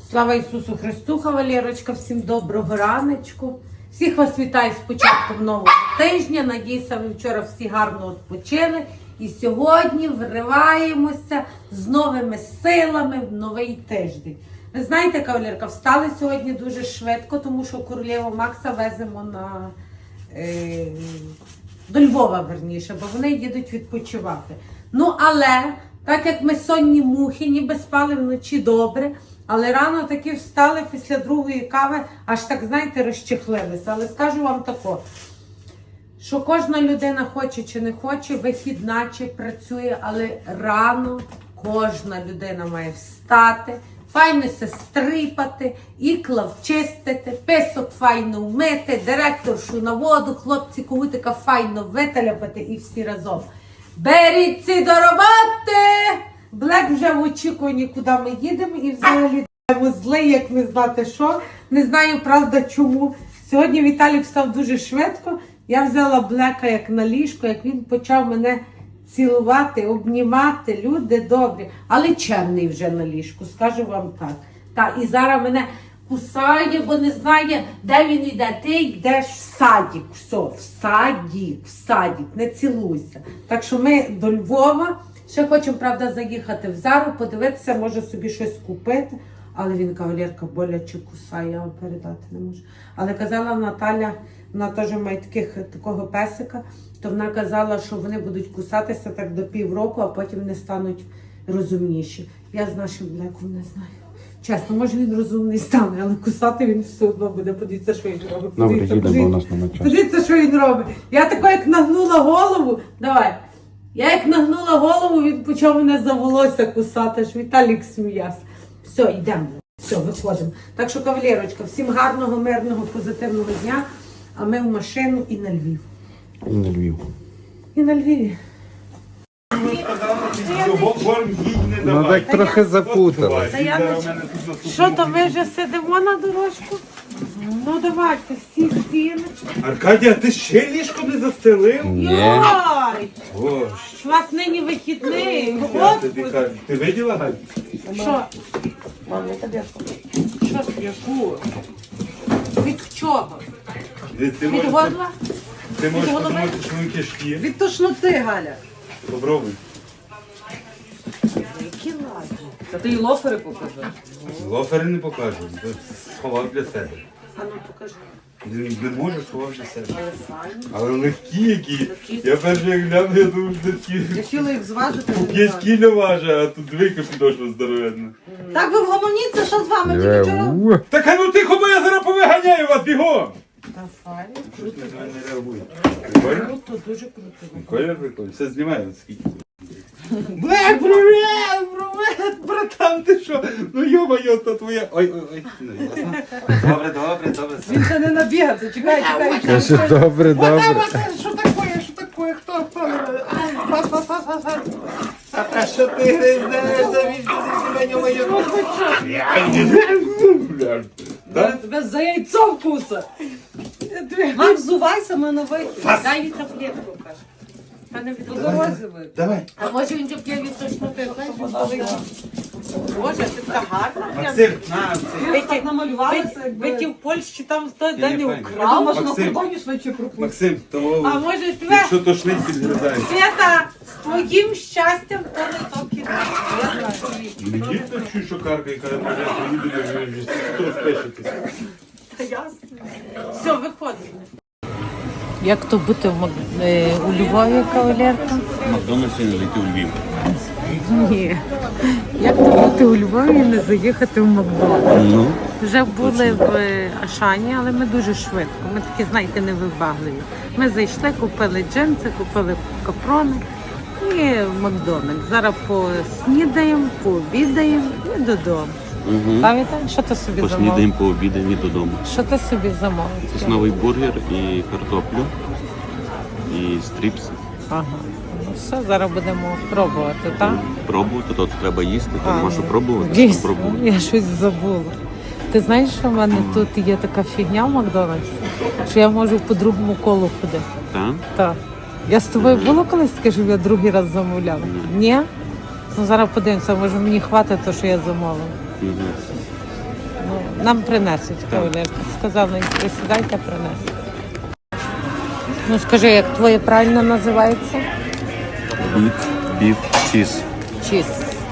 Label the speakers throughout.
Speaker 1: Слава Ісусу Христу, Валерочка, всім доброго раночку. Всіх вас вітаю з початком нового тижня. Надіюся, ви вчора всі гарно відпочили. І сьогодні вриваємося з новими силами в новий тиждень. Ви знаєте, кавалерка, встали сьогодні дуже швидко, тому що королеву Макса веземо до Львова, верніше, бо вони їдуть відпочивати. Ну, але, так як ми сонні мухи, ніби спали вночі добре, але рано таки встали після другої кави, аж так, знаєте, розчехлилися. Але скажу вам тако, що кожна людина хоче чи не хоче, вихідна чи працює, але рано кожна людина має встати, файно се стрипати, ікла вчистити, писок файно вмити, директоршу на воду, хлопці когутика файно виталяпати і всі разом. Беріться до роботи! Блек вже в очікуванні, куди ми їдемо, і взагалі злий, як не знати що. Не знаю, правда, чому. Сьогодні Віталік встав дуже швидко. Я взяла Блека як на ліжко, як він почав мене цілувати, обнімати. Люди добрі. Але чемний вже на ліжку, скажу вам так. І зараз мене кусає, бо не знає, де він йде. Ти йдеш в садик. Все, в садик, не цілуйся. Так що ми до Львова. Ще хочемо, правда, заїхати в Зару, подивитися, може собі щось купити. Але він, кавалерка, боляче кусає, я вам передати не можу. Але казала Наталя, вона теж має такого песика, то вона казала, що вони будуть кусатися так до півроку, а потім не стануть розумніші. Я з нашим Блеком не знаю. Чесно, може він розумний стане, але кусати він все одно буде. Подивіться, що він робить.
Speaker 2: Добре, їдемо, бо у нас немає часу.
Speaker 1: Подивіться, що він робить. Я тако, як нагнула голову, давай. Я як нагнула голову, він почав мене за волосся кусати, аж Віталік сміявся. Все, йдемо. Все, виходимо. Так що, кавалерочка, всім гарного, мирного, позитивного дня. А ми в машину і на Львів.
Speaker 2: І на Львів.
Speaker 1: І на Львіві.
Speaker 2: Ну так трохи запуталась.
Speaker 1: Що то, ми вже сидимо на дорожку? Ну давайте, всі сіли.
Speaker 3: Аркадія, ти ще ліжко не застелив?
Speaker 2: Ні.
Speaker 1: Йой!
Speaker 3: Боже,
Speaker 1: У вас нині вихідний.
Speaker 3: я тобі кажу. Ти виділа, Галь?
Speaker 1: Що?
Speaker 4: Мам, не тобі.
Speaker 1: Що?
Speaker 3: Яку?
Speaker 1: Від чого?
Speaker 3: Ти
Speaker 1: Від
Speaker 3: можеш,
Speaker 1: горла?
Speaker 3: ти можеш
Speaker 1: від голови?
Speaker 3: подумати, що вони кишки.
Speaker 4: Від тошноти, Галя.
Speaker 3: Попробуй.
Speaker 1: Які ладні.
Speaker 4: Та ти й лофери покажи.
Speaker 3: Лофери не покажу. Сховав для себе.
Speaker 1: А ну покажи.
Speaker 3: Не можу, сховав для себе. Але легкі які. Я перший як гляну, я думаю, що такі.
Speaker 4: Я хотіла їх зважити.
Speaker 3: У 5 кіля важить, а тут двійка підошва здоровенна.
Speaker 4: Так ви вгомоніться, що з вами тільки вчора?
Speaker 3: Так а ну тихо, бо я зараз повиганяю вас бігом!
Speaker 1: Та файно.
Speaker 3: Щось не реагує. Прикольно?
Speaker 1: Круто, дуже круто.
Speaker 3: Прикольно, прикольно. Все знімаю, скільки. Блек, привет, братан, ти що? Ну йо-моє, то твоя. Ой. Добре.
Speaker 4: Він ще не набігався, чекай.
Speaker 2: Каже, добре.
Speaker 3: Що таке, хто? А що ти гризешся,
Speaker 4: Тебе за яйцо вкуса. Мам, взувайся, мене вийти.
Speaker 1: Дай їй таблетку, каже. Та не від
Speaker 4: По дорозі вийти.
Speaker 3: Давай.
Speaker 1: А може він п'є від тошноти? Боже, ти така гарна.
Speaker 3: Максим, на,
Speaker 4: Ви так намалювалися,
Speaker 1: Ви ті
Speaker 4: якби...
Speaker 1: в Польщі там в той
Speaker 3: Ні,
Speaker 1: день не
Speaker 3: файно.
Speaker 4: Я
Speaker 1: украв.
Speaker 4: думала, що на
Speaker 3: Максим.
Speaker 4: кордоні швидше пропустять.
Speaker 3: Максим, того,
Speaker 1: А може тебе,
Speaker 3: якщо тошнить, підгризаєш.
Speaker 1: Свята, з твоїм щастям то не то кіно. Я знаю.
Speaker 3: Не дійсно чую, що карка, яка може приїду, вже хто розпишетися.
Speaker 1: Та ясно. Все, виходимо. Як то бути у Львові, кавалерка?
Speaker 2: Макдональдс не зайти у Львів.
Speaker 1: Ні. Як то бути у Львові і не заїхати в Макдональдс?
Speaker 2: Ну,
Speaker 1: Вже були в Ашані, але ми дуже швидко. Ми такі, знаєте, невибагливі. Ми зайшли, купили джинси, купили капрони і в Макдональдс. Зараз поснідаємо, пообідаємо і додому. Пам'ятаєш, що ти собі замовив?
Speaker 2: поснідаємо, пообідаємо і додому.
Speaker 1: Що ти собі замовив?
Speaker 2: Сосновий бургер і картоплю, і стріпс.
Speaker 1: Ага. Ну все, зараз будемо пробувати, так?
Speaker 2: Пробувати, то треба їсти, то нема що пробувати,
Speaker 1: Дійсно,
Speaker 2: що пробувати.
Speaker 1: я щось забула. Ти знаєш, що в мене тут є така фігня в Макдональдсі, що я можу по другому колу ходити.
Speaker 2: Так?
Speaker 1: Так. Я з тобою було колись таке, щоб я другий раз замовляла? Ні? Ну зараз подивимося, може мені хватить те, що я замовила.
Speaker 2: Угу.
Speaker 1: Нам принесуть кавалерка. Сказав, не присідайте, принесуть. Ну скажи, як твоє правильно називається?
Speaker 2: Біф, чіз.
Speaker 1: Чіз.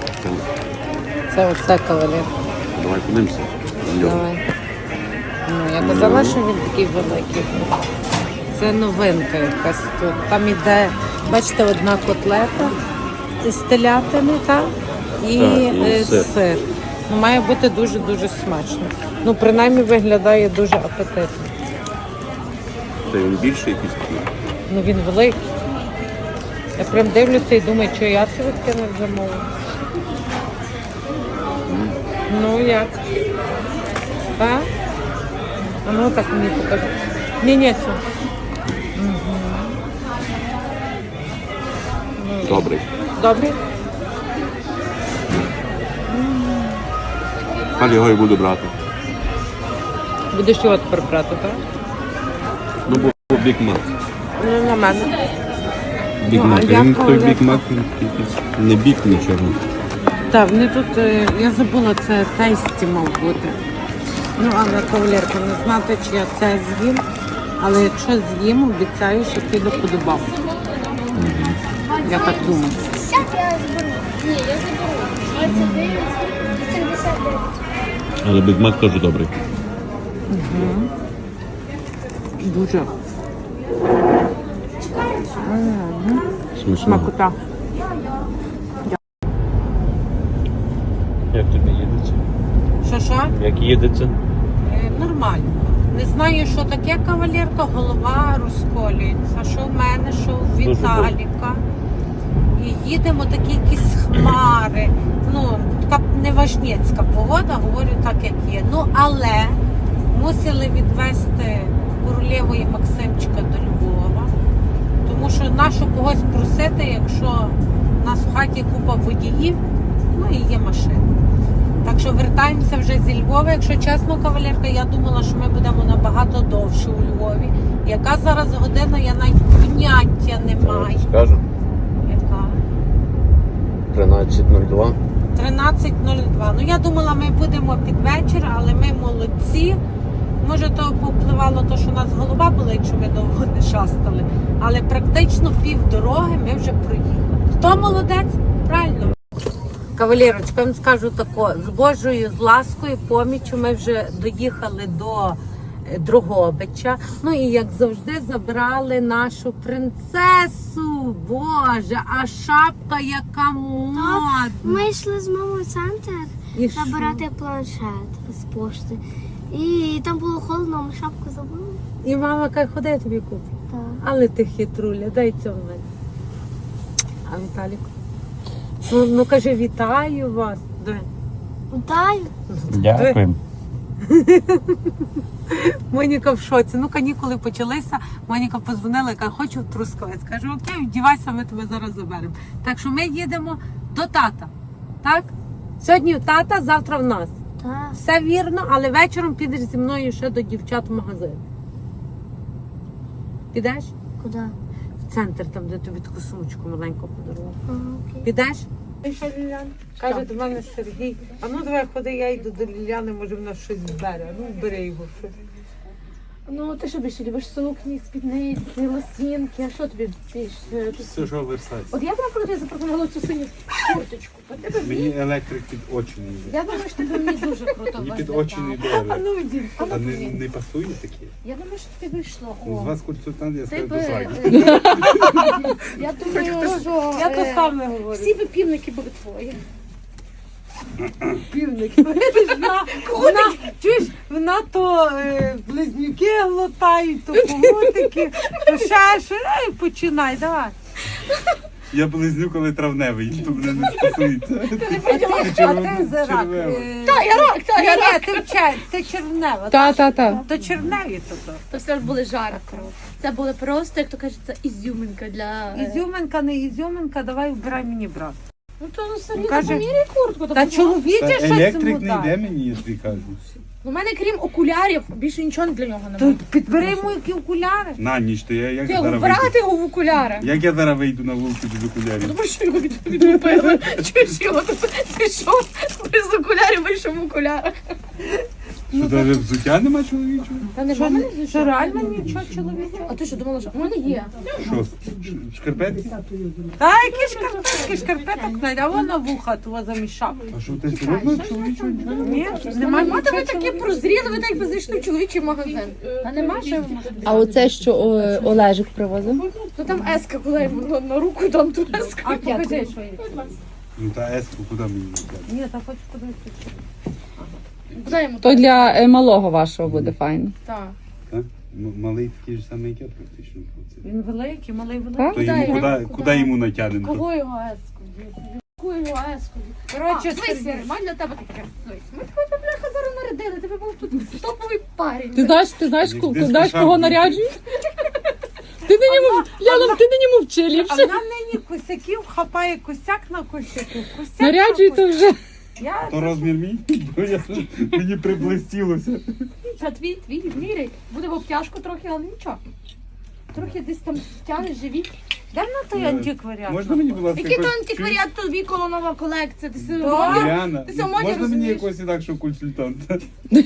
Speaker 1: Це оце кавалерка.
Speaker 2: Давай подивимося. Льон.
Speaker 1: Давай. Ну, я казала, що він такий великий. Це новинка якась тут. Там іде, бачите, одна котлета з телятини, так? І,
Speaker 2: Так, і
Speaker 1: сир. Ну, має бути дуже-дуже смачно. Ну, принаймні виглядає дуже апетитно.
Speaker 2: Це він більший якийсь такий.
Speaker 1: Ну, він великий. Я прям дивлюся і думаю, що я собі таке не замовлю. Ну, як? Так? А ну так мені покажи. Ні, це.
Speaker 2: Добрий.
Speaker 1: Добре?
Speaker 2: Але його і буду брати.
Speaker 1: Будеш його тепер брати, так?
Speaker 2: Ну, бо Бік Мак.
Speaker 1: Ну, на мене.
Speaker 2: Бік
Speaker 1: Ну,
Speaker 2: Мак.
Speaker 1: а я
Speaker 2: Він той
Speaker 1: коли-
Speaker 2: Бік Мак, він якийсь не бік нічого.
Speaker 1: Так, вони тут, я забула, це тесті мав бути. Ну, але кавалерка, не знати, чи я це з'їм. Але якщо з'їм, обіцяю, що піду подобав. Я так думаю.
Speaker 5: Сяк я заберу. Ні, я заберу. 29, 79.
Speaker 2: Але Бік Мак теж добрий.
Speaker 1: Дуже.
Speaker 2: Смачно.
Speaker 1: Смакота.
Speaker 2: Як тобі їдеться?
Speaker 1: Що?
Speaker 2: Як їдеться?
Speaker 1: Нормально. Не знаю, що таке кавалерка, голова розколюється. Що в мене, що в
Speaker 2: Дуже
Speaker 1: Віталіка. І їдемо такі якісь хмари. Ну, така неважнєцька погода, говорю так, як є. Ну, але мусили відвезти королеву і Максимчика до Львова. Тому що нащо когось просити, якщо в нас в хаті купа водіїв, ну і є машина. Так що вертаємося вже зі Львова. Якщо чесно, кавалерка, я думала, що ми будемо набагато довше у Львові. Яка зараз година, я навіть поняття не маю.
Speaker 2: Скажу.
Speaker 1: Яка?
Speaker 2: 13:02.
Speaker 1: 13:02. Ну я думала, ми будемо під вечір, але ми молодці. Може, то повпливало те, що у нас голова була, якщо ми довго не шастали. Але практично півдороги ми вже проїхали. Хто молодець? Правильно. Кавалерочка, я вам скажу тако, з Божою з ласкою, поміччю ми вже доїхали до Дрогобича. Ну і як завжди забрали нашу принцесу. Боже, а шапка яка модна.
Speaker 5: Ми йшли з мамою в центр
Speaker 1: І що?
Speaker 5: забирати планшет з пошти. І там було холодно, ми шапку забули.
Speaker 1: І мама каже, ходи, я тобі куплю.
Speaker 5: Так.
Speaker 1: Але ти хитруля, дай цього мене. А Віталік? Ну кажи, вітаю вас. Дай.
Speaker 5: Вітаю.
Speaker 2: Дякую.
Speaker 1: Моніка в шоці. Ну, канікули почалися. Моніка подзвонила, яка хочу в Трускавець. Кажу, окей, вдівайся, ми тебе зараз заберемо. Так що ми їдемо до тата. Так? Сьогодні в тата, завтра в нас.
Speaker 5: Так.
Speaker 1: Все вірно, але вечором підеш зі мною ще до дівчат в магазин. Підеш?
Speaker 5: Куди?
Speaker 1: В центр, там, де тобі таку сумочку маленьку подарував.
Speaker 5: Ага, окей.
Speaker 1: Підеш? Каже до мене Сергій, а ну давай ходи, я йду до Ліляни, може вона щось збере. Ну, бери його щось.
Speaker 6: Ну, ти що більше любиш сукні, спідниці, лосінки, а що тобі більше?
Speaker 3: Це ж оверсайз.
Speaker 6: От я б наприклад запропонувала цю синю курточку. От тебе
Speaker 3: Мені електрик під очі не йде.
Speaker 6: Я думаю, що тебе мені дуже круто
Speaker 3: Мені під
Speaker 6: виглядає.
Speaker 3: очі не йде
Speaker 1: А
Speaker 3: електрик.
Speaker 1: ну йди.
Speaker 3: А не пасує такі?
Speaker 6: Я думаю, що тобі вийшло.
Speaker 3: Ну, з
Speaker 6: О,
Speaker 3: вас консультант, я
Speaker 6: ти
Speaker 3: скажу
Speaker 6: би...
Speaker 3: до свадьби.
Speaker 6: Я думаю, що
Speaker 1: Я то сам не говорю.
Speaker 6: всі би півники були твої.
Speaker 1: Півник. Чуєш, вона то близнюки глотають, то комутики, то ще що. Ей, починай, давай.
Speaker 3: Я близню, коли травневий, то мене не стосується.
Speaker 1: А ти за рак.
Speaker 6: Та, я рак, та, я рак.
Speaker 1: Ти червнева.
Speaker 4: Та.
Speaker 1: То червневі то.
Speaker 6: То все ж були жарко. Це було просто, як то кажуть, це ізюминка для...
Speaker 1: Ізюминка, не ізюминка, давай вбирай мені брат.
Speaker 6: Ну, то самі
Speaker 1: Каже,
Speaker 6: поміряй куртку.
Speaker 1: Та чоловіче щось
Speaker 3: Електрик не
Speaker 1: йому
Speaker 3: йде
Speaker 1: дай.
Speaker 3: мені, я тобі кажу.
Speaker 6: У мене, крім окулярів, більше нічого для нього
Speaker 1: То
Speaker 6: немає.
Speaker 1: підбери йому які окуляри.
Speaker 3: На ніч, то я як
Speaker 6: Ти
Speaker 3: зараз вийду?
Speaker 6: вбирати його в окуляри.
Speaker 3: Як я зараз вийду на вулицю без окулярів?
Speaker 6: Тому що його відлупили. Чуєш його? Ти що? Без окулярів вийшов в окулярах.
Speaker 3: Що навіть взуття нема чоловічого?
Speaker 6: Та не
Speaker 1: Що,
Speaker 6: мене
Speaker 1: що реально нічого чоловічого?
Speaker 6: А ти що думала, що в мене є?
Speaker 3: Що, шкарпетки?
Speaker 1: Та які шкарпеток знайде, а вона вуха того замішав.
Speaker 3: А що ти серйозно чоловічого?
Speaker 1: Ні, немає
Speaker 6: Мати,
Speaker 1: нічого
Speaker 6: ви такі прозріли, ви так би зайшли в чоловічий магазин. А нема ще ви можете.
Speaker 7: А оце, що Олежик привозив?
Speaker 6: Ну там еска, коли йому на руку там ту еску.
Speaker 1: А покажи, що є.
Speaker 3: Ну та еску куди мені взяти?
Speaker 1: Ні, та хочу подивитися.
Speaker 6: Куди йому
Speaker 7: То для малого вашого буде файно.
Speaker 6: так?
Speaker 3: Так? Малий такий ж самий, як я практично.
Speaker 1: Він великий, малий великий.
Speaker 7: Так?
Speaker 3: То йому
Speaker 6: його?
Speaker 3: куди йому натягнемо?
Speaker 6: Кого його еску? Яку його еску?
Speaker 1: Коротше,
Speaker 6: Дивись, май для тебе таке. Дивись, ми тебе, бляха, зараз нарядили, тебе був тут топовий парень.
Speaker 7: Ти знаєш,
Speaker 3: Як десь
Speaker 7: кого
Speaker 3: пошарпаний.
Speaker 7: наряджують? Ти не Яна, ти не мовчи
Speaker 1: А
Speaker 7: ліпше.
Speaker 1: вона нині косяків хапає косяк на косяку. Косяк
Speaker 7: Наряджуй
Speaker 1: на
Speaker 7: то вже.
Speaker 1: Я
Speaker 3: То розмір мій? Бо мені приблистілося.
Speaker 6: Це твій, міряй. Буде в обтяжку трохи, але нічого. Трохи десь там тягнеш живіт.
Speaker 1: де на той антикваріат?
Speaker 3: Можна мені, будь ласка,
Speaker 6: Який то
Speaker 3: якось-
Speaker 6: антикваріат, то віколо нова колекція. Ти си
Speaker 1: Да.
Speaker 6: модір?
Speaker 3: Діана,
Speaker 6: Ти сьогодні
Speaker 3: можна мені
Speaker 6: розумієш?
Speaker 3: якогось інакшого консультанта?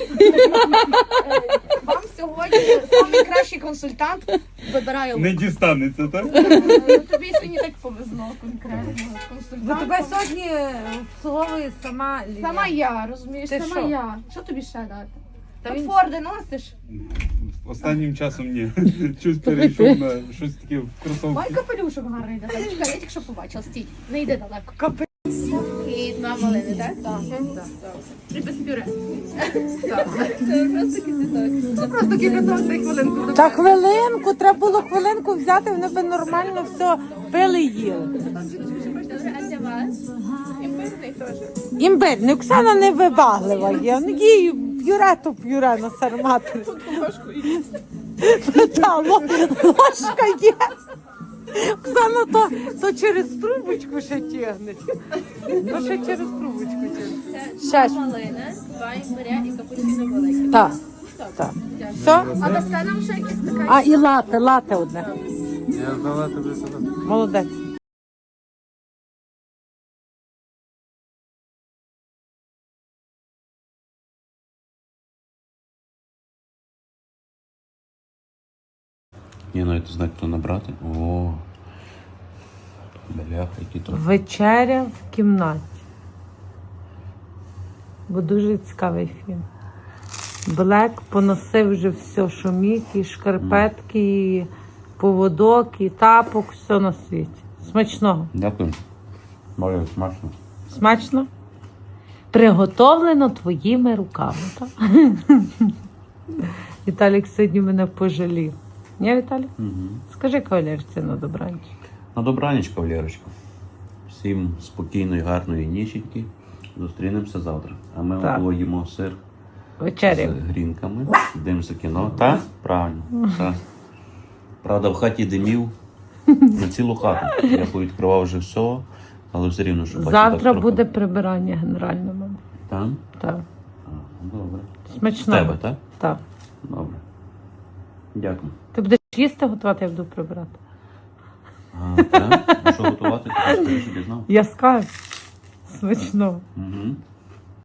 Speaker 6: Вам сьогодні найкращий консультант вибирає
Speaker 3: Не дістанеться, так?
Speaker 6: Тобі сьогодні так повезло конкретно.
Speaker 1: За
Speaker 6: Консультант.
Speaker 1: тебе сьогодні обслуговує сама Лілія.
Speaker 6: Сама я, розумієш,
Speaker 1: Ти
Speaker 6: сама
Speaker 1: що?
Speaker 6: я. Що тобі ще дати?
Speaker 1: Та
Speaker 6: Та
Speaker 1: він-
Speaker 6: Форди носиш?
Speaker 3: Останнім часом ні. Щось перейшов на щось таке в кросовки.
Speaker 6: Ой, капелюшок гарний. Да. Чекай, я тільки що побачила. Стій, не йди далеко. І два малини, так? Так. І без пюре. Це просто кипяток, дай хвилинку.
Speaker 1: Та хвилинку, треба було хвилинку взяти, вони би нормально все пили і їли.
Speaker 6: А для вас? Імбирний теж.
Speaker 1: Імбирний, Оксана не вибаглива є. Ну, їй п'юре то п'юре на сарматері. Та, ложка є. Оксана то через трубочку ще тягне. То ще через трубочку тягне. Ще ж.
Speaker 6: Малина, два імбиря і капучино велике.
Speaker 1: Так, так. Все?
Speaker 6: А дасте нам ще якісь така?
Speaker 1: А, і лате одне.
Speaker 3: Я здала тобі сюди.
Speaker 1: Молодець.
Speaker 2: Я навіть не знаю, хто набрати. О, бляха, які то.
Speaker 1: Вечеря в кімнаті. Бо дуже цікавий фільм. Блек поносив вже все, що міг, і шкарпетки, і поводок, і тапок, все на світі. Смачного.
Speaker 2: Дякую. Може, смачно.
Speaker 1: Смачно? Приготовлено твоїми руками, так? Віталік сьогодні мене пожалів. Ні, Віталік?
Speaker 2: Угу.
Speaker 1: Скажи кавалерці на добраніч.
Speaker 2: На добраніч, кавалерочка. Всім спокійної, гарної ніченьки. Зустрінемося завтра. А ми
Speaker 1: Так.
Speaker 2: поїмо сир
Speaker 1: Вечеря.
Speaker 2: з грінками, дивимося кіно. Так? Правильно. Так. Правда, в хаті димів на цілу хату. Я повідкривав вже все, але все рівно, що бачу,
Speaker 1: Завтра
Speaker 2: так трохи.
Speaker 1: буде прибирання генеральне, мама.
Speaker 2: Там?
Speaker 1: Так.
Speaker 2: Добре. З
Speaker 1: Смачного.
Speaker 2: тебе, так?
Speaker 1: Так.
Speaker 2: Добре. Дякую.
Speaker 1: Ти будеш їсти готувати, я буду прибирати.
Speaker 2: А, так? А що готувати? Ти скажи, щоб я знав.
Speaker 1: Я скажу. Смачного.
Speaker 2: Угу.